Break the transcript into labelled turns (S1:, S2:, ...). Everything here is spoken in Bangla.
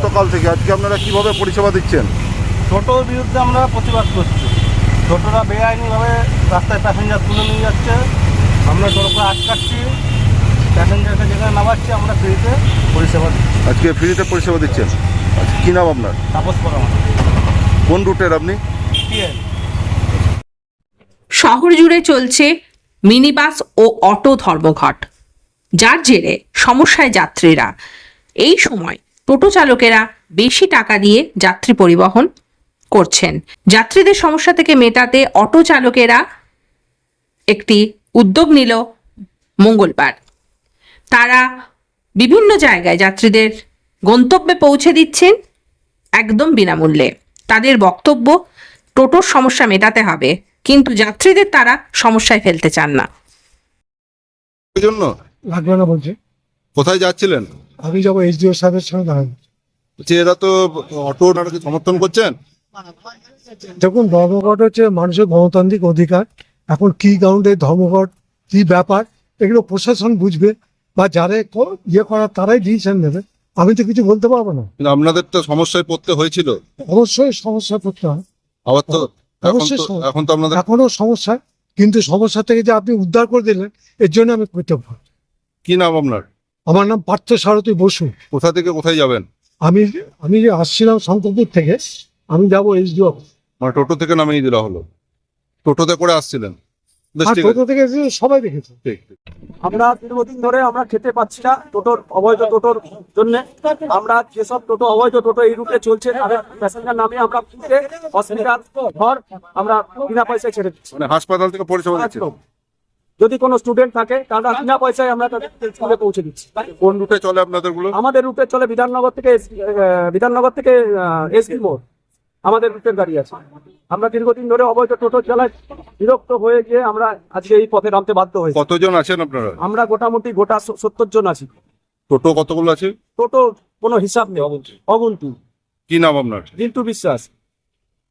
S1: গতকাল থেকে আজকে আপনারা কিভাবে পরিষেবা দিচ্ছেন?
S2: টোটোর বিরুদ্ধে আমরা প্রতিবাদ করছি। টোটোরা বেআইনিভাবে রাস্তায় প্যাসেঞ্জার তুলে নিয়ে যাচ্ছে, আমরা টোটোকে আটকাচ্ছি, প্যাসেঞ্জারকে যেখানে নামাচ্ছি আমরা ফ্রিতে পরিষেবা দিচ্ছি।
S1: আজকে ফ্রিতে পরিষেবা দিচ্ছেন। আচ্ছা, কী নাম আপনার?
S2: তাপস পরামর্শ
S1: কোন রুটের আপনি?
S3: শহর জুড়ে চলছে মিনিবাস ও অটো ধর্মঘট, যার জেরে সমস্যায় যাত্রীরা। এই সময় টোটো চালকেরা বেশি টাকা দিয়ে যাত্রী পরিবহন করছেন। যাত্রীদের সমস্যা থেকে মেটাতে অটো চালকেরা একটি উদ্যোগ নিল মঙ্গলবার। তারা বিভিন্ন জায়গায় যাত্রীদের গন্তব্যে পৌঁছে দিচ্ছেন একদম বিনামূল্যে। তাদের বক্তব্য, টোটোর সমস্যা মেটাতে হবে, কিন্তু যাত্রীদের তারা সমস্যায় ফেলতে চান না।
S1: এই জন্য
S4: লাগবে না বলছে।
S1: কোথায় যাচ্ছিলেন?
S4: আমি যাবো এইচডিও সাহেবের সঙ্গে দেখা করতে।
S1: বলছি, এরা তো অটো ওনারাকে সমর্থন করছেন।
S4: দেখুন, ধর্মঘট হচ্ছে মানুষের গণতান্ত্রিক অধিকার। এখন কি গ্রাউন্ডে ধর্মঘট, কি ব্যাপার, এগুলো প্রশাসন বুঝবে, বা যারা ইয়ে করার তারাই ডিসিশন নেবে। আমি তো কিছু বলতে পারবো না।
S1: কিন্তু আপনাদের তো সমস্যায় পড়তে হয়েছিল।
S4: অবশ্যই সমস্যা পড়তে হয়,
S1: আবার তো
S4: অবশ্যই
S1: এখন তো আপনাদের
S4: এখনো সমস্যা, কিন্তু সমস্যা থেকে যে আপনি উদ্ধার করে দিলেন, এর জন্য আমি কৃতজ্ঞ।
S1: কি নাম আপনার?
S4: আমার নাম পার্থ সারথী বসু।
S1: কোথা থেকে কোথায় যাবেন?
S4: আমি যে আসছিলাম শঙ্করপুর থেকে, আমি যাবো এইচডিও।
S1: মানে টোটো থেকে নামিয়ে দেওয়া হলো? টোটোতে করে আসছিলেন? বেশ,
S4: আর
S1: ঠিক
S4: টোটো
S1: আছে।
S4: থেকে এসে সবাই দেখেছে।
S1: ঠিক।
S2: আমরা দীর্ঘদিন ধরে আমরা খেতে পাচ্ছি না টোটোর অবৈধ টোটোর জন্য। আমরা যেসব টোটো অবৈধ টোটো এই রুটে চলছে তাদের প্যাসেঞ্জার নামে আমরা ফ্রিতে হসপিটাল ঘর আমরা বিনা পয়সায় ছেড়ে দিচ্ছি।
S1: মানে হাসপাতাল থেকে পরিষেবা দিচ্ছেন।
S2: একদম। যদি কোনো স্টুডেন্ট থাকে তারা বিনা পয়সায় আমরা তাদের স্কুলে পৌঁছে দিচ্ছি।
S1: কোন রুটে চলে আপনাদের গুলো?
S2: আমাদের রুটে চলে বিধাননগর থেকে এসবি মোড় আমাদের রুটের গাড়ি আছে। আমরা দীর্ঘদিন ধরে অবৈধ টোটো চালাই, বিরক্ত হয়ে গিয়ে আমরা আজকে এই পথে নামতে বাধ্য হয়েছি।
S1: কতজন আছেন আপনারা?
S2: আমরা মোটামুটি 70 জন আছি।
S1: টোটো কতগুলো আছে?
S2: টোটো কোনো হিসাব নেই, অগুন্তি।
S1: কি নাম আপনার?
S2: রিন্টু বিশ্বাস।